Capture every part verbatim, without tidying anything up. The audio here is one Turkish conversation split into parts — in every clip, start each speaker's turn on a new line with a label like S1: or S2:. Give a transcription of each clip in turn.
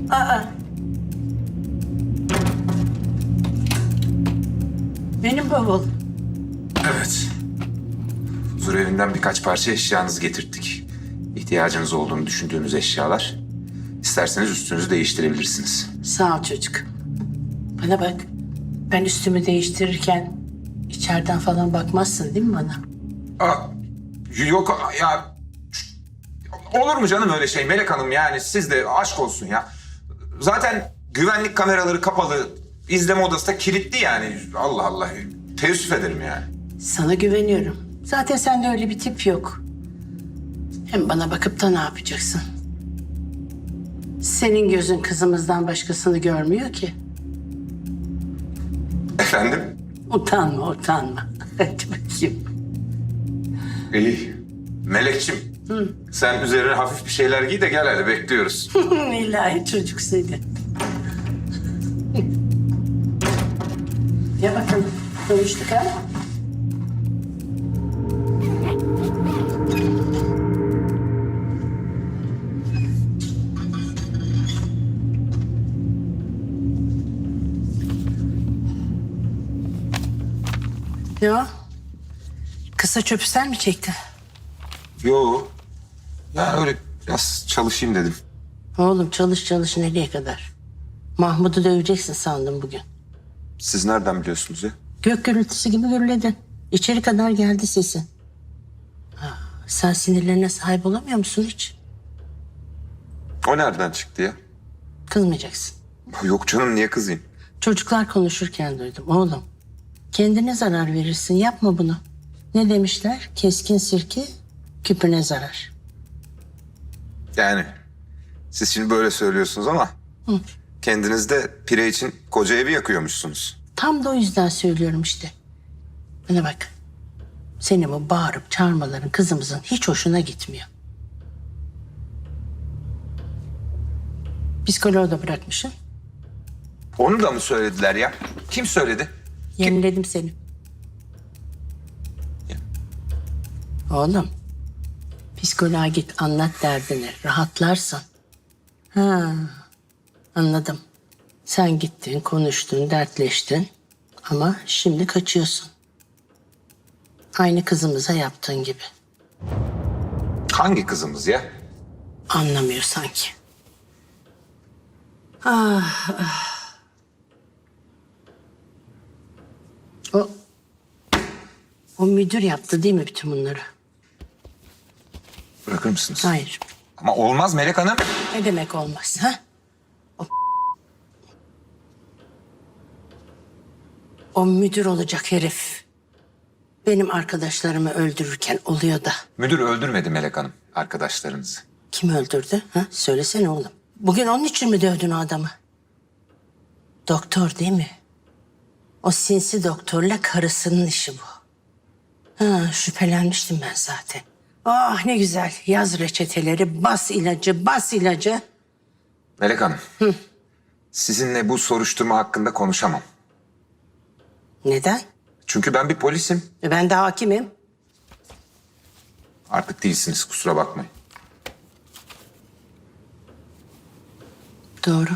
S1: Aa. Benim bavul.
S2: Evet. Huzur evinden birkaç parça eşyanızı getirttik. İhtiyacınız olduğunu düşündüğünüz eşyalar. İsterseniz üstünüzü değiştirebilirsiniz.
S1: Sağ ol çocuk. Bana bak. Ben üstümü değiştirirken içeriden falan bakmazsın değil mi bana?
S2: Aa, yok ya. Olur mu canım öyle şey Melek Hanım, yani siz de aşk olsun ya. Zaten güvenlik kameraları kapalı, izleme odası da kilitli yani. Allah Allah, teessüf ederim yani.
S1: Sana güveniyorum. Zaten sende öyle bir tip yok. Hem bana bakıp da ne yapacaksın? Senin gözün kızımızdan başkasını görmüyor ki.
S2: Efendim?
S1: Utanma, utanma. Hadi bakayım.
S2: İyi. Melekçim, sen üzerine hafif bir şeyler giy de gel hadi, bekliyoruz.
S1: İlahi çocuk seni. Ya bakalım, konuştuk ha? Ne o? Kısa çöpü sen mi çektin?
S2: Yo. Ya öyle biraz çalışayım dedim.
S1: Oğlum çalış çalış nereye kadar? Mahmut'u döveceksin sandım bugün.
S2: Siz nereden biliyorsunuz ya?
S1: Gök gürültüsü gibi gürledin. İçeri kadar geldi sesin. Ha, sen sinirlerine sahip olamıyor musun hiç?
S2: O nereden çıktı ya?
S1: Kızmayacaksın.
S2: Yok canım, niye kızayım?
S1: Çocuklar konuşurken duydum oğlum. Kendine zarar verirsin, yapma bunu. Ne demişler? Keskin sirke küpüne zarar.
S2: Yani siz şimdi böyle söylüyorsunuz ama
S1: Hı.
S2: kendiniz de pire için koca evi yakıyormuşsunuz.
S1: Tam da o yüzden söylüyorum işte. Bana bak. Senin bu bağırıp çağırmaların kızımızın hiç hoşuna gitmiyor. Psikoloğu da bırakmışsın.
S2: Onu da mı söylediler ya? Kim söyledi?
S1: Yeniledim seni. Oğlum. Psikoloğa git anlat derdini. Rahatlarsın. Ha, anladım. Sen gittin, konuştun, dertleştin. Ama şimdi kaçıyorsun. Aynı kızımıza yaptığın gibi.
S2: Hangi kızımız ya?
S1: Anlamıyor sanki. Ah, ah. O, o müdür yaptı değil mi bütün bunları?
S2: Bırakır mısınız?
S1: Hayır.
S2: Ama olmaz Melek Hanım.
S1: Ne demek olmaz ha? O, o müdür olacak herif. Benim arkadaşlarımı öldürürken oluyor da.
S2: Müdür öldürmedi Melek Hanım arkadaşlarınızı.
S1: Kim öldürdü? Ha? Söylesene oğlum. Bugün onun için mi dövdün o adamı? Doktor değil mi? O sinsi doktorla karısının işi bu. Ha, şüphelenmiştim ben zaten. Ah ne güzel. Yaz reçeteleri, bas ilacı, bas ilacı.
S2: Melek Hanım. Hı. Sizinle bu soruşturma hakkında konuşamam.
S1: Neden?
S2: Çünkü ben bir polisim.
S1: E ben de hakimim.
S2: Artık değilsiniz, kusura bakmayın.
S1: Doğru.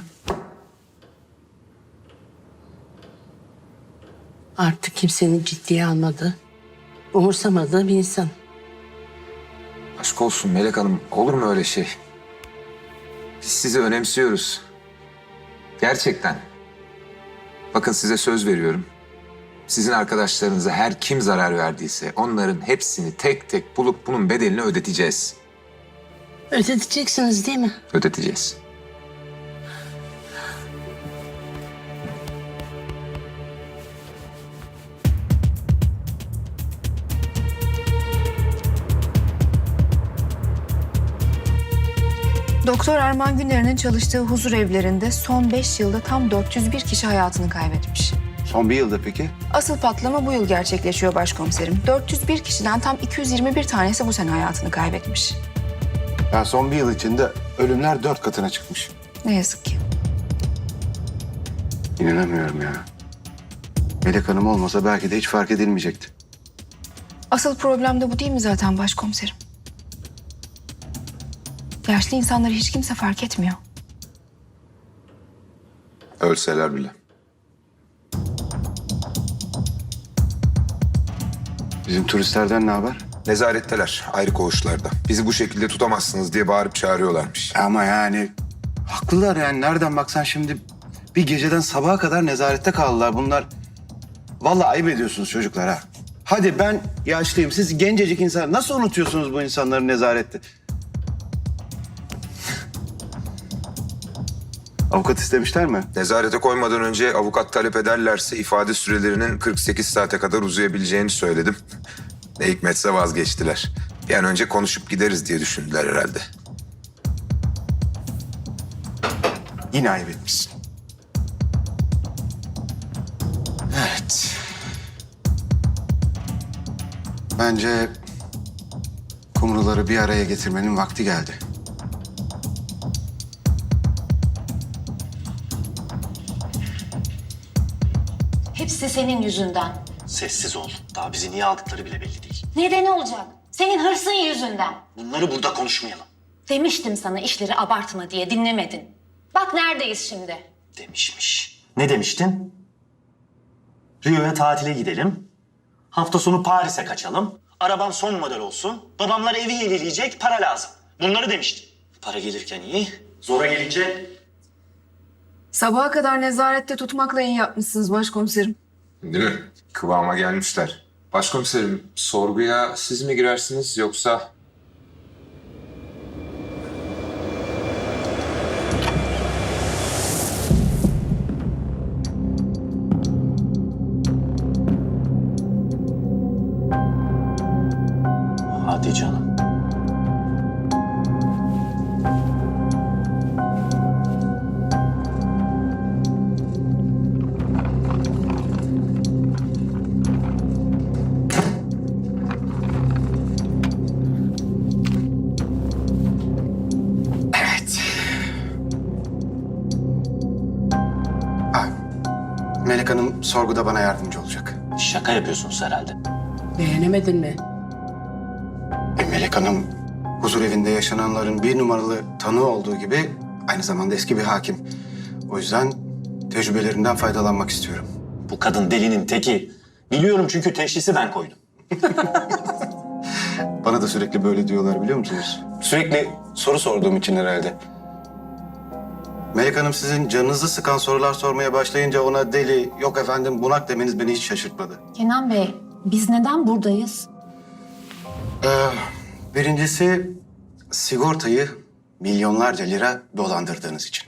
S1: Artık kimsenin ciddiye almadığı, umursamadığı bir insan.
S2: Aşk olsun Melek Hanım, olur mu öyle şey? Biz sizi önemsiyoruz. Gerçekten. Bakın size söz veriyorum. Sizin arkadaşlarınıza her kim zarar verdiyse onların hepsini tek tek bulup bunun bedelini ödeteceğiz.
S1: Ödeteceksiniz değil mi?
S2: Ödeteceğiz.
S3: Doktor Erman Güner'in çalıştığı huzur evlerinde son beş yılda tam dört yüz bir kişi hayatını kaybetmiş.
S4: Son bir yılda peki?
S3: Asıl patlama bu yıl gerçekleşiyor başkomiserim. dört yüz bir kişiden tam iki yüz yirmi bir tanesi bu sene hayatını kaybetmiş.
S4: Yani son bir yıl içinde ölümler dört katına çıkmış.
S3: Ne yazık ki.
S4: İnanamıyorum ya. Melek Hanım olmasa belki de hiç fark edilmeyecekti.
S3: Asıl problem de bu değil mi zaten başkomiserim? Yaşlı insanları hiç kimse fark etmiyor.
S2: Ölseler bile.
S4: Bizim turistlerden ne haber?
S2: Nezaretteler, ayrı koğuşlarda. Bizi bu şekilde tutamazsınız diye bağırıp çağırıyorlarmış.
S4: Ama yani haklılar yani. Nereden baksan şimdi bir geceden sabaha kadar nezarette kaldılar bunlar. Vallahi ayıp ediyorsunuz çocuklar ha. Hadi ben yaşlıyım. Siz gencecik insan. Nasıl unutuyorsunuz bu insanları nezarette? Avukat istemişler mi?
S2: Nezarete koymadan önce avukat talep ederlerse ifade sürelerinin kırk sekiz saate kadar uzayabileceğini söyledim. Ne hikmetse vazgeçtiler. Bir an önce konuşup gideriz diye düşündüler herhalde.
S4: Yine ayıp etmişsin. Evet. Bence kumruları bir araya getirmenin vakti geldi.
S5: Hepsi senin yüzünden.
S6: Sessiz ol. Daha bizi niye aldıkları bile belli değil.
S5: Nedeni olacak? Senin hırsın yüzünden.
S6: Bunları burada konuşmayalım
S5: Demiştim sana işleri abartma diye, dinlemedin. Bak neredeyiz şimdi.
S6: demişmiş. Ne demiştin? Rio'ya tatile gidelim. Hafta sonu Paris'e kaçalım. Arabam son model olsun. Babamlar evi yenileyecek, para lazım. Bunları demiştin. Para gelirken iyi, zora gelince...
S3: Sabaha kadar nezarette tutmakla iyi yapmışsınız başkomiserim.
S2: Değil mi? Kıvama gelmişler. Başkomiserim, sorguya siz mi girersiniz yoksa...
S6: Hadi canım.
S4: Evet. Ah, Melek Hanım sorguda bana yardımcı olacak.
S6: Şaka yapıyorsunuz herhalde.
S1: Beğenemedin mi?
S4: E, Melek Hanım huzur evinde yaşananların bir numaralı tanığı olduğu gibi aynı zamanda eski bir hakim. O yüzden tecrübelerinden faydalanmak istiyorum.
S6: Bu kadın delinin teki. Biliyorum çünkü teşhisi ben koydum.
S4: Bana da sürekli böyle diyorlar biliyor musunuz? Sürekli soru sorduğum için herhalde. Melek Hanım sizin canınızı sıkan sorular sormaya başlayınca ona deli, yok efendim bunak demeniz beni hiç şaşırtmadı.
S5: Kenan Bey, biz neden buradayız?
S4: Ee, birincisi sigortayı milyonlarca lira dolandırdığınız için.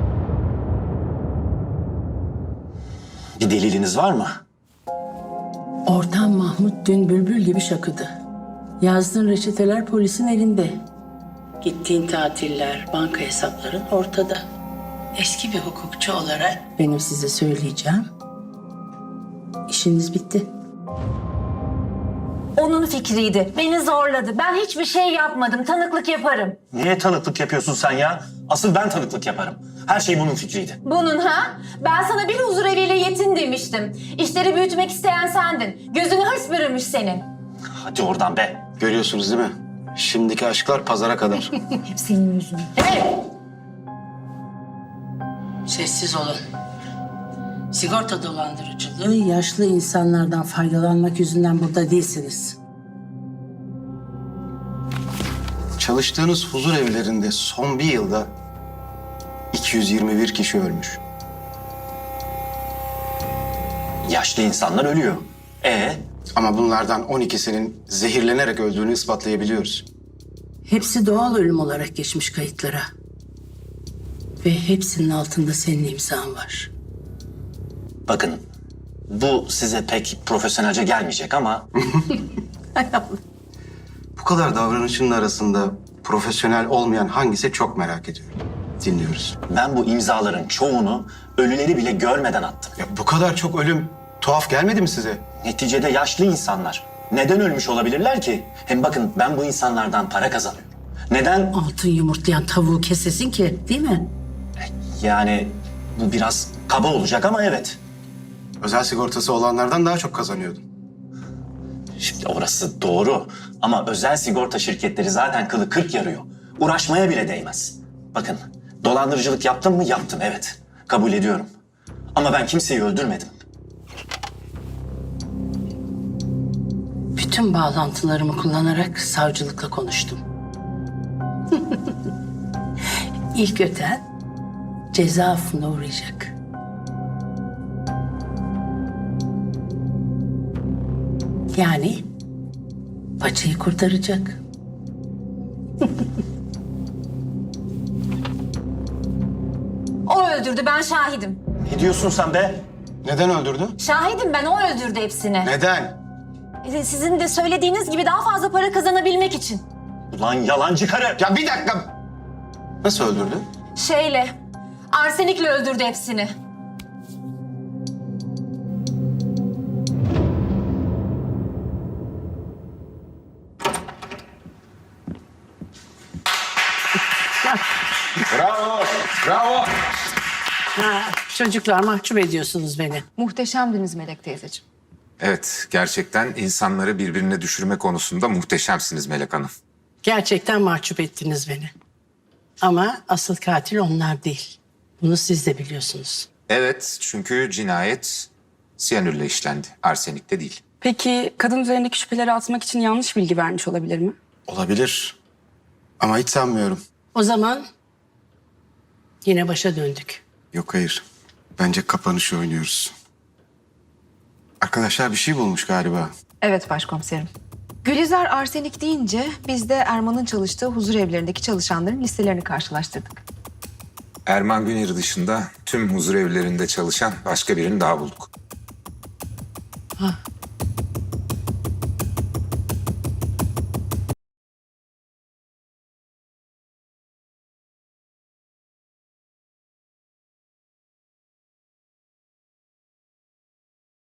S6: Bir deliliniz var mı?
S1: Ortam Mahmut dün bülbül gibi şakıdı. Yazdığın reçeteler polisin elinde. Gittiğin tatiller, banka hesapların ortada. Eski bir hukukçu olarak benim size söyleyeceğim. İşiniz bitti.
S5: Onun fikriydi. Beni zorladı. Ben hiçbir şey yapmadım. Tanıklık yaparım.
S6: Niye tanıklık yapıyorsun sen ya? Asıl ben tanıklık yaparım. Her şey bunun fikriydi.
S5: Bunun ha? Ben sana bir huzur eviyle yetin demiştim. İşleri büyütmek isteyen sendin. Gözünü hırs bürümüş senin.
S6: Hadi oradan be.
S4: Görüyorsunuz değil mi? Şimdiki aşklar pazara kadar.
S5: Hep senin yüzünden.
S1: Sessiz olun. Sigorta dolandırıcılığı, yaşlı insanlardan faydalanmak yüzünden burada değilsiniz.
S4: Çalıştığınız huzur evlerinde son bir yılda iki yüz yirmi bir kişi ölmüş.
S6: Yaşlı insanlar ölüyor. E
S4: Ama bunlardan on ikisinin zehirlenerek öldüğünü ispatlayabiliyoruz.
S1: Hepsi doğal ölüm olarak geçmiş kayıtlara. Ve hepsinin altında senin imzan var.
S6: bakın bu size pek profesyonelce gelmeyecek ama
S4: Bu kadar davranışın arasında profesyonel olmayan hangisi çok merak ediyorum. Dinliyoruz.
S6: ben bu imzaların çoğunu ölüleri bile görmeden attım.
S4: Ya bu kadar çok ölüm tuhaf gelmedi mi size?
S6: Neticede yaşlı insanlar. Neden ölmüş olabilirler ki? Hem bakın ben bu insanlardan para kazanıyorum. Neden?
S1: Altın yumurtlayan tavuğu kesesin ki, değil mi?
S6: Yani bu biraz kaba olacak ama evet.
S4: Özel sigortası olanlardan daha çok kazanıyordun.
S6: Şimdi orası doğru ama özel sigorta şirketleri zaten kılı kırk yarıyor. Uğraşmaya bile değmez. Bakın dolandırıcılık yaptım mı? Yaptım evet. Kabul ediyorum. Ama ben kimseyi öldürmedim.
S1: Bütün bağlantılarımı kullanarak savcılıkla konuştum. İlk öten ceza affına uğrayacak. Yani paçayı kurtaracak.
S5: O öldürdü, ben şahidim.
S6: Ne diyorsun sen be?
S4: Neden öldürdü?
S5: Şahidim ben, o öldürdü hepsini.
S4: Neden?
S5: Ee, Sizin de söylediğiniz gibi daha fazla para kazanabilmek için.
S6: Ulan yalancı karı.
S4: Ya bir dakika. Nasıl öldürdü?
S5: Şeyle, arsenikle öldürdü hepsini.
S2: Bravo, bravo.
S1: Ha, çocuklar mahcup ediyorsunuz beni.
S3: Muhteşemdiniz Melek teyzeciğim.
S2: Evet, gerçekten insanları birbirine düşürme konusunda muhteşemsiniz Melek Hanım.
S1: Gerçekten mahcup ettiniz beni. Ama asıl katil onlar değil. Bunu siz de biliyorsunuz.
S2: Evet, çünkü cinayet siyanürle işlendi, arsenikte değil.
S7: Peki kadın üzerindeki şüpheleri atmak için yanlış bilgi vermiş olabilir mi?
S4: Olabilir. Ama hiç sanmıyorum.
S1: O zaman yine başa döndük.
S4: Yok hayır. Bence kapanışı oynuyoruz. Arkadaşlar bir şey bulmuş galiba.
S3: Evet başkomiserim. Gülizar arsenik deyince biz de Erman'ın çalıştığı huzur evlerindeki çalışanların listelerini karşılaştırdık.
S2: Erman Güneri dışında tüm huzur evlerinde çalışan başka birini daha bulduk.
S1: Ha,